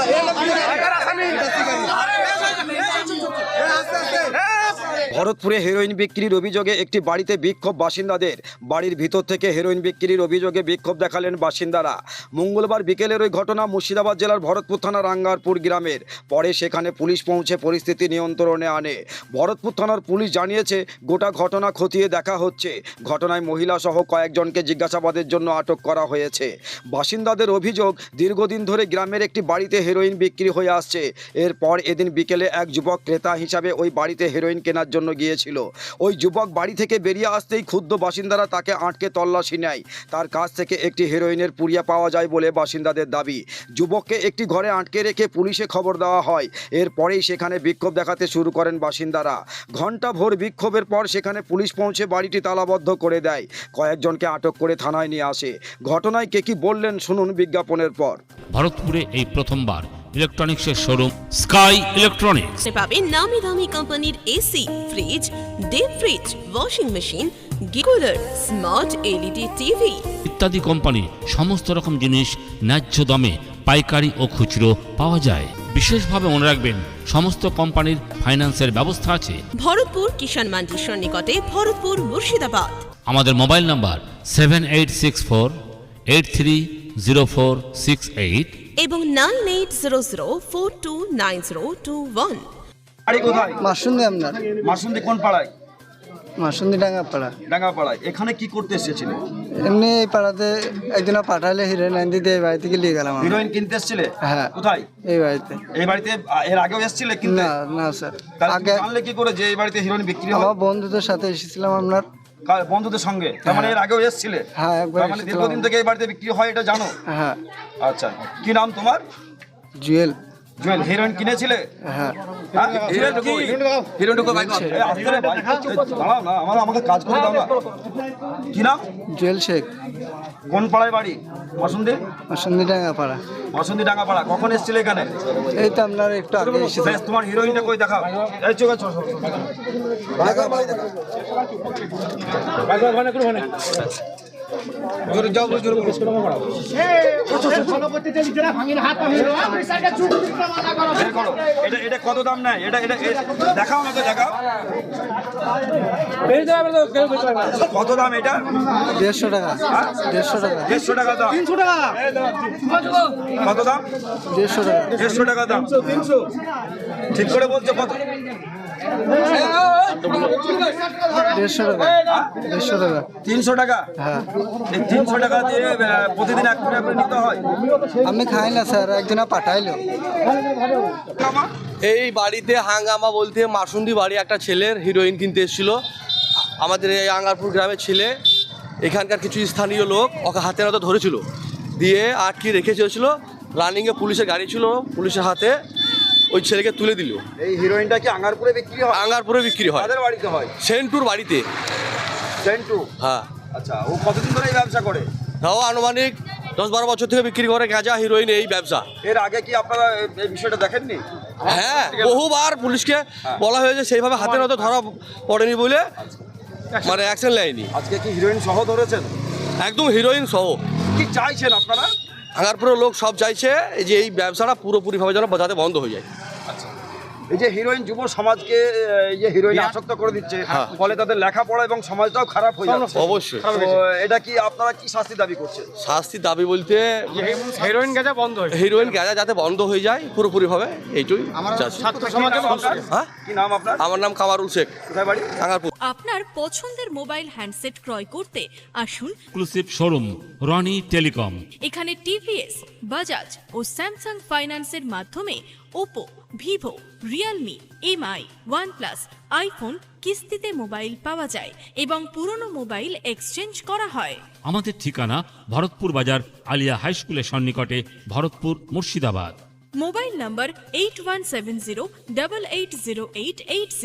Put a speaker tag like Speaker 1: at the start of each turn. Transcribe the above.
Speaker 1: ভরতপুরে heroin বিক্রির অভিযোগে একটি বাড়িতে বিক্ষোভ বাসিন্দাদের। বাড়ির ভিতর থেকে হেরোইন বিক্রির অভিযোগে বিক্ষোভ দেখালেন বাসিন্দারা। মঙ্গলবার বিকেলের ওই ঘটনা মুর্শিদাবাদ জেলার ভরতপুর থানার আঙ্গারপুর গ্রামের। পরে সেখানে পুলিশ পৌঁছে পরিস্থিতি নিয়ন্ত্রণে আনে। ভরতপুর থানার পুলিশ জানিয়েছে গোটা ঘটনা খতিয়ে দেখা হচ্ছে। ঘটনায় মহিলা সহ কয়েকজনকে জিজ্ঞাসাবাদের জন্য আটক করা হয়েছে। বাসিন্দাদের অভিযোগ, দীর্ঘদিন ধরে গ্রামের একটি বাড়িতে হেরোইন বিক্রি হয়ে আসছে। এরপর এদিন বিকেলে এক যুবক ক্রেতা হিসাবে ওই বাড়িতে হেরোইন কেনার জন্য গিয়েছিল। ওই যুবক বাড়ি থেকে বেরিয়ে আসতেই ক্ষুব্ধ বাসিন্দারা তাকে আটকে তল্লাশি নেয়। তার কাছ থেকে একটি হেরোইনের পুড়িয়া পাওয়া যায় বলে বাসিন্দাদের দাবি। যুবককে একটি ঘরে আটকে রেখে পুলিশে খবর দেওয়া হয়। এরপরেই সেখানে বিক্ষোভ দেখাতে শুরু করেন বাসিন্দারা। ঘণ্টাভর বিক্ষোভের পর সেখানে পুলিশ পৌঁছে বাড়িটি তালাবদ্ধ করে দেয়। কয়েকজনকে আটক করে থানায় নিয়ে আসে। ঘটনায় কে কি বললেন শুনুন বিজ্ঞাপনের পর।
Speaker 2: ভারতপুরে এই প্রথমবার ইলেকট্রনিক্সের শোরুম স্কাই ইলেকট্রনিক্স
Speaker 3: পাবেন নামি দামি কোম্পানির AC, fridge, deep fridge, washing machine, গিকুলার, স্মার্ট এলইডি টিভি
Speaker 2: ইত্যাদি কোম্পানি সমস্ত রকম জিনিস ন্যায্য দামে পাইকারি ও খুচরো পাওয়া যায়। বিশেষভাবে মনে রাখবেন সমস্ত কোম্পানির ফাইন্যান্সের ব্যবস্থা আছে।
Speaker 3: ভরতপুর কিষাণ মান্ডির সন্নিকটে, ভরতপুর, মুর্শিদাবাদ।
Speaker 2: আমাদের মোবাইল নাম্বার 7864830468
Speaker 3: এবং 9800429021।
Speaker 1: বাড়ি কোথায়?
Speaker 4: মাসুন্দি। আপনার
Speaker 1: মাসুন্দি কোন পাড়ায়?
Speaker 4: মাসুন্দি ডাঙ্গাপাড়া।
Speaker 1: ডাঙ্গাপাড়ায়। এখানে কি করতে এসেছিলেন?
Speaker 4: এমনি এই পাড়াতে একদিন পাঠালে হিরোইন আন দিতে এই বাড়ি থেকে নিয়ে গেলাম।
Speaker 1: হিরোইন কিনতে এসেছিলে?
Speaker 4: হ্যাঁ।
Speaker 1: কোথায়?
Speaker 4: এই বাড়িতে।
Speaker 1: এই বাড়িতে এর আগেও এসেছিলে কিনতে?
Speaker 4: না না স্যার,
Speaker 1: আগে জানলে কি করে যে এই বাড়িতে হিরোইন বিক্রি হয়?
Speaker 4: আমার বন্ধুদের সাথে এসেছিলাম আপনার।
Speaker 1: বন্ধুদের সঙ্গে? তার মানে এর আগেও এসেছিলে?
Speaker 4: হ্যাঁ, একবার
Speaker 1: তার মানে দীর্ঘদিন থেকে এই বাড়িতে বিক্রি হয় এটা জানো?
Speaker 4: হ্যাঁ।
Speaker 1: আচ্ছা, কি নাম তোমার?
Speaker 4: জুয়েল।
Speaker 1: জুয়েল। হিরোইন কিনেছিলে?
Speaker 4: হ্যাঁ।
Speaker 1: আমাকে কাজ করে দাও না। কি নাম?
Speaker 4: জুয়েল শেখ।
Speaker 1: কোন পাড়ায় বাড়ি? মাসুন্দি।
Speaker 4: মাসুন্দি ডাঙ্গাপাড়া।
Speaker 1: মাসুন্দি ডাঙ্গাপাড়া। কখন এসেছিলে এখানে?
Speaker 4: এই তো আপনার একটু আগে এসেছিলাম।
Speaker 1: বেশ, তোমার হিরোইনটা কই দেখাও। এই চোখ আছে। এটা কত দাম নেয়? এটা দেখাও না, তো দেখাও। কত দাম এটা?
Speaker 4: 150 টাকা। 150 টাকা।
Speaker 1: 150 টাকা দাম। 300 টাকা। কত দাম?
Speaker 4: 150 টাকা।
Speaker 1: 150 টাকা দাম। ঠিক করে বলছো কত?
Speaker 4: 150 টাকা। 150 টাকা।
Speaker 1: 300 টাকা?
Speaker 4: হ্যাঁ।
Speaker 1: এই 300 টাকা দিয়ে প্রতিদিন এক করে নিতে হয়?
Speaker 4: আমি খাই না স্যার, একদিন পাঠাইলো।
Speaker 5: এই বাড়িতে হাঙ্গামা বলতে মাসুন্দি বাড়ি একটা ছেলের হিরোইন কিনতে এসেছিল। আমাদের এই আঙ্গারপুর গ্রামের ছেলে, এখানকার কিছু স্থানীয় লোক ওকে হাতে হাতে ধরেছিল, দিয়ে আটকে রেখে চলেছিল। রানিংয়ে পুলিশের গাড়ি ছিল, পুলিশের হাতে ওই ছেলেকে তুলে দিল।
Speaker 1: এই হিরোইনটা কি আঙ্গারপুরে বিক্রি হয়?
Speaker 5: আঙ্গারপুরে বিক্রি হয়।
Speaker 1: কাদের বাড়িতে হয়?
Speaker 5: সেন্টুর বাড়িতে।
Speaker 1: সেন্টু?
Speaker 5: হ্যাঁ।
Speaker 1: আচ্ছা, ও কতদিন ধরে এই ব্যবসা করে?
Speaker 5: তাও আনুমানিক 10-12 বছর থেকে বিক্রি করে গাঁজা হিরোইন এই ব্যবসা।
Speaker 1: এর আগে কি আপনারা এই বিষয়টা দেখেননি?
Speaker 5: হ্যাঁ, বহুবার পুলিশকে বলা হয়েছে, সেইভাবে হাতে হাতে ধরা পড়েনি বলে মানে অ্যাকশন নেয়নি।
Speaker 1: আজকে কি হিরোইন সহ ধরেছেন?
Speaker 5: একদম হিরোইন সহ।
Speaker 1: কি চাইছেন আপনারা?
Speaker 5: আঙ্গারপুরের লোক সব চাইছে যে এই ব্যবসাটা পুরোপুরিভাবে যেন যাতে বন্ধ হয়ে যায়।
Speaker 1: আচ্ছা, এই যে হিরোইন যুব সমাজকে এই যে হিরোইন আসক্ত করে দিচ্ছে, ফলে তাদের লেখাপড়া এবং সমাজটাও খারাপ হয়ে যাচ্ছে।
Speaker 5: অবশ্যই।
Speaker 1: তো এটা কি আপনারা কি শাস্তি দাবি করছেন?
Speaker 5: শাস্তি দাবি বলতে
Speaker 6: হেরোইন গাঁজা বন্ধ হয়।
Speaker 5: হিরোইন গাঁজা যাতে বন্ধ হয়ে যায় পুরোপুরিভাবে, এইটুই চাচ্ছি।
Speaker 6: ছাত্র সমাজের
Speaker 5: হ্যাঁ,
Speaker 1: কি নাম আপনার?
Speaker 5: আমার নাম কামারুল শেখ।
Speaker 1: কোথায় বাড়ি?
Speaker 5: আঙ্গারপুর।
Speaker 7: আপনার পছন্দের মোবাইল হ্যান্ডসেট ক্রয় করতে আসুন
Speaker 2: এক্সক্লুসিভ শোরুম রনি টেলিকম।
Speaker 7: এখানে টিভিএস, বাজাজ ও স্যামসাং ফাইন্যান্সের মাধ্যমে Oppo, Vivo, Realme, MI, OnePlus, iPhone কিস্তিতে মোবাইল পাওয়া যায় এবং পুরনো মোবাইল এক্সচেঞ্জ করা হয়।
Speaker 2: আমাদের ঠিকানা ভরতপুর বাজার আলিয়া হাই স্কুলের সন্নিকটে, ভরতপুর, মুর্শিদাবাদ।
Speaker 7: মোবাইল নম্বর 8170880880।